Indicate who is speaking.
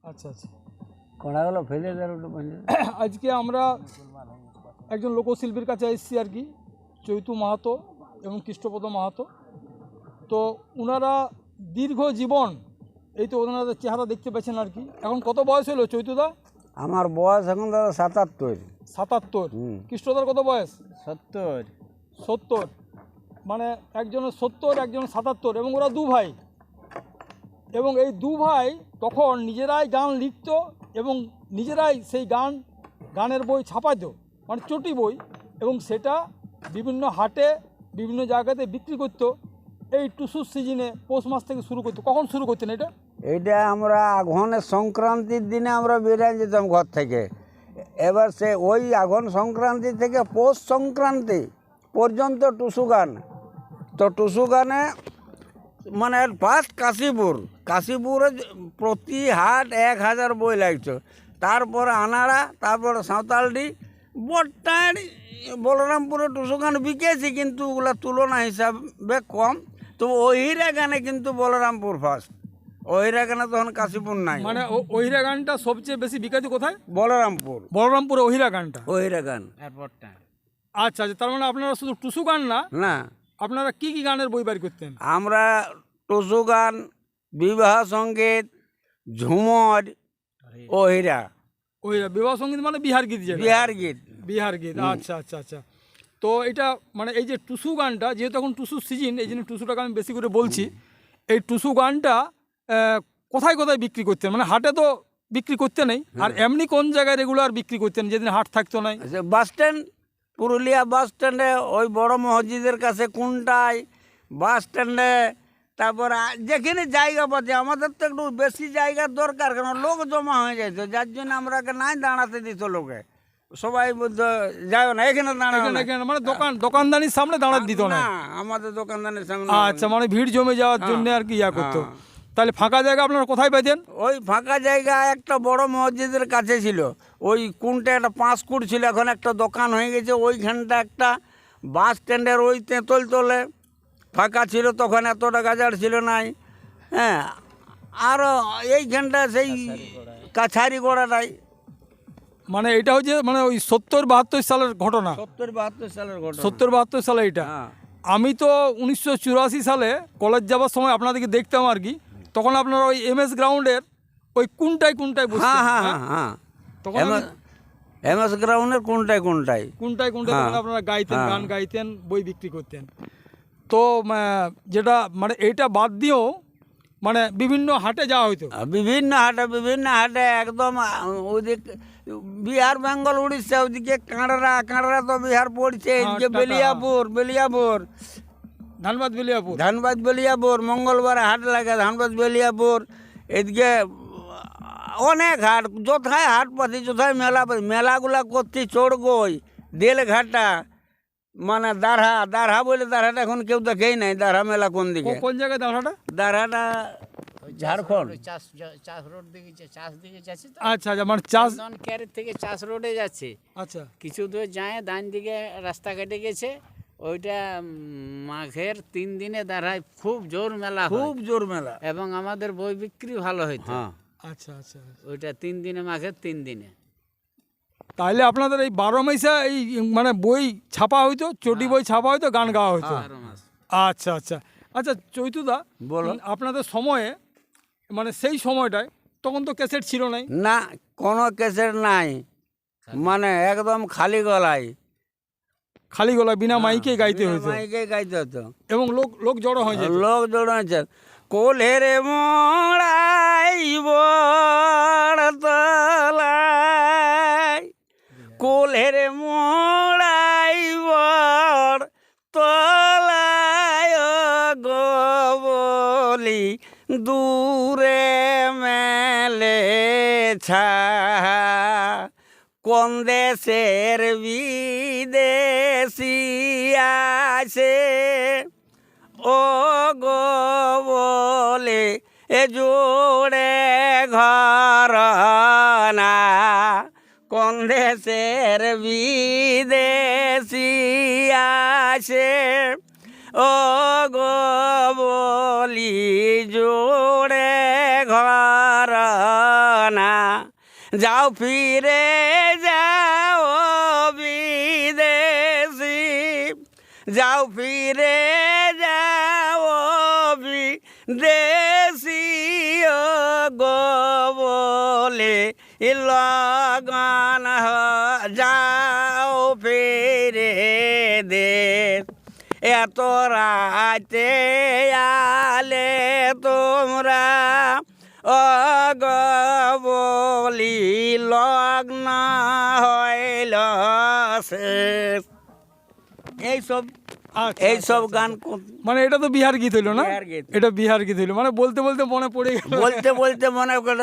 Speaker 1: আচ্ছা আচ্ছা।
Speaker 2: কড়াগুলো ফেলে দেয়।
Speaker 1: আজকে আমরা একজন লোকশিল্পীর কাছে এসেছি আর কি, চৈতু মাহাতো এবং কৃষ্ণপদ মাহাতো। তো ওনারা দীর্ঘ জীবন, এই তো ওনাদের চেহারা দেখতে পাচ্ছেন আর কি। এখন কত বয়স হলো চৈতুদা?
Speaker 2: আমার বয়স এখন দাদা 77।
Speaker 1: 77। কৃষ্ণদার কত বয়স?
Speaker 2: 70।
Speaker 1: 70, মানে একজনের 70, একজনের 77, এবং ওরা দু ভাই। এবং এই দু ভাই তখন নিজেরাই গান লিখত এবং নিজেরাই সেই গানের বই ছাপাতো, মানে চটি বই, এবং সেটা বিভিন্ন হাটে বিভিন্ন জায়গাতে বিক্রি করতো। এই টুসুর সিজনে পৌষ মাস থেকে শুরু করতো। কখন শুরু করতেন এটা?
Speaker 2: এইটা আমরা আঘনের সংক্রান্তির দিনে আমরা বেরিয়ে যেতাম ঘর থেকে। এবার সে ওই আঘন সংক্রান্তি থেকে পৌষ সংক্রান্তি পর্যন্ত টুসু গান। তো টুসু গানে মানে ফার্স্ট কাশীপুরে প্রতি হাট 1000 বই লাগতো। তারপরে আনাড়া, তারপরে সাঁওতালডি, বট্টাড়ি, বলরামপুরে টুসু গান বিকেছি, কিন্তু ওগুলো তুলনা হিসাবে কম। তো ওহিরা গানে কিন্তু বলরামপুর ফার্স্ট। ওহিরা গানে তখন কাশীপুর নাই।
Speaker 1: মানে ওহিরা গানটা সবচেয়ে বেশি বিখ্যাত কোথায়?
Speaker 2: বলরামপুরে
Speaker 1: ওহিরা গানটা,
Speaker 2: ওহিরা গান।
Speaker 1: আচ্ছা আচ্ছা। তার মানে আপনারা শুধু টুসু গান না, আপনারা কি কি গানের বই বার করতেন?
Speaker 2: আমরা টুসু গান, বিবাহ সঙ্গীত, ঝুমর, ওহিরা।
Speaker 1: বিবাহ সঙ্গীত মানে বিহার গীত। বিহার গীত, আচ্ছা আচ্ছা আচ্ছা। তো এটা মানে এই যে টুসু গানটা, যেহেতু এখন টুসুর সিজন, এই জন্য টুসুটাকে আমি বেশি করে বলছি। এই টুসু গানটা কোথায় কোথায় বিক্রি করতেন? মানে হাটে তো বিক্রি করতে নেই, আর এমনি কোন জায়গায় রেগুলার বিক্রি করতেন যেদিন হাট থাকতো নাই?
Speaker 2: বাস স্ট্যান্ড, পুরুলিয়া বাস স্ট্যান্ডে, ওই বড় মসজিদের কাছে কোনটায়, বাস স্ট্যান্ডে। তারপর যেখানে জায়গা পাচ্ছে, আমাদের তো একটু বেশি জায়গার দরকার, কেন লোক জমা হয়ে যাইতো, যার জন্য আমরাকে নাই দাঁড়াতে দিত লোকে। সবাই যায় না এখানে দাঁড়ানো,
Speaker 1: মানে দোকানদানির সামনে দাঁড়াতে দিত না
Speaker 2: আমাদের দোকানদানির সামনে।
Speaker 1: আচ্ছা, মানে ভিড় জমে যাওয়ার জন্য আর কি ইয়া করতো। তাহলে ফাঁকা জায়গা আপনারা কোথায় পেতেন?
Speaker 2: ওই ফাঁকা জায়গা একটা বড় মসজিদের কাছে ছিল, ওই কোনটা একটা 5 ফুট ছিল, এখন একটা দোকান হয়ে গেছে ওইখানটা। একটা বাস স্ট্যান্ডের ওই তেঁতল তলে ফাঁকা ছিল, তখন এতটা গাজার ছিল নাই। হ্যাঁ, আরও এইখানটা সেই কাছারি গোড়াটাই।
Speaker 1: মানে এটা হচ্ছে মানে ওই 70-72 সালের ঘটনা।
Speaker 2: 70-72 সালের ঘটনা।
Speaker 1: 70-72 সালে এটা। আমি তো 1984 সালে কলেজ যাওয়ার সময় আপনাদেরকে দেখতাম আর কি। তখন আপনারা ওই MS গ্রাউন্ডের ওই কোনটায় বসতেন?
Speaker 2: হ্যাঁ, তখন MS গ্রাউন্ডের কোনটায়
Speaker 1: আপনারা গাইতেন, গান গাইতেন, বই বিক্রি করতেন। তো যেটা মানে এইটা বাদ দিয়েও মানে বিভিন্ন হাটে যাওয়া হইতো।
Speaker 2: বিভিন্ন হাটে একদম ওইদিক বিহার, বেঙ্গল, উড়িষ্যা, ওইদিকে কাঁড়রা তো বিহার পড়ছে, এদিকে বেলিয়াপুর, ধানবাদ বেলিয়াপুর, মঙ্গলবার হাট লাগে ধানবাদ বেলিয়াপুর। এদিকে অনেক হাট, যথায় হাট পাতি, যথায় মেলাগুলা করতে চড়গই, দেলঘাটা, মানে দারহা বলে, দারহাটা এখন কেউ দেখেই নাই। দারহা মেলা কোন দিকে,
Speaker 1: কোন জায়গায়?
Speaker 2: দারহাটা ঝাড়খণ্ড
Speaker 3: চাষ রোড দিকে, চাষ দিকে যাচ্ছে।
Speaker 1: আচ্ছা আচ্ছা, মানে চাষ
Speaker 3: ক্যারেট থেকে চাষ রোডে যাচ্ছে।
Speaker 1: আচ্ছা,
Speaker 3: কিছু দূর যায়, ডান দিকে রাস্তা কেটে গেছে। ওইটা মাঘের 3 দিনে দাঁড়ায়, খুব জোর মেলা, এবং আমাদের বই বিক্রি ভালো হইতো।
Speaker 1: আচ্ছা আচ্ছা,
Speaker 3: ওইটা 3 দিনে, মাঘের 3 দিনে।
Speaker 1: তাহলে আপনাদের এই 12 মাসে এই মানে বই ছাপা হইতো, চটি বই ছাপা হইতো, গান গাওয়া হইতো। আচ্ছা আচ্ছা আচ্ছা। চৈতুদা, আপনাদের সময়ে মানে সেই সময়টায় তখন তো ক্যাসেট ছিল
Speaker 2: না, কোনো ক্যাসেট নাই, মানে একদম খালি গলায়
Speaker 1: বিনা মাইকে গাইতে হতো, এবং লোক জড়ো হয়ে যেত।
Speaker 2: কোলের মোড়াই বড়তলায়, কোলের মোড়াই বড়তলায় গবলি, দূরে মেলে ছা, কোন দেশের বিদেশি আছে ও গো বলে, এ জোড়ে ঘর না, কোন দেশের বিদেশি আছে ও গো বলি, জোড়ে ঘর না যাও ফিরে যাও বিদেশি যাও ফিরে যাও বিদেশি ও গো বলে লগন যাও ফিরে দেশ এত রাতে আলে তোমরা অগবলি লগ্ন হইল শেষ। এইসব এইসব গান
Speaker 1: মানে এটা তো বিহার গীত হইলো না?
Speaker 2: বিহার গীত।
Speaker 1: এটা বিহার গীত হইলো, মানে বলতে বলতে মনে পড়ে গেল।
Speaker 2: বলতে বলতে মনে করে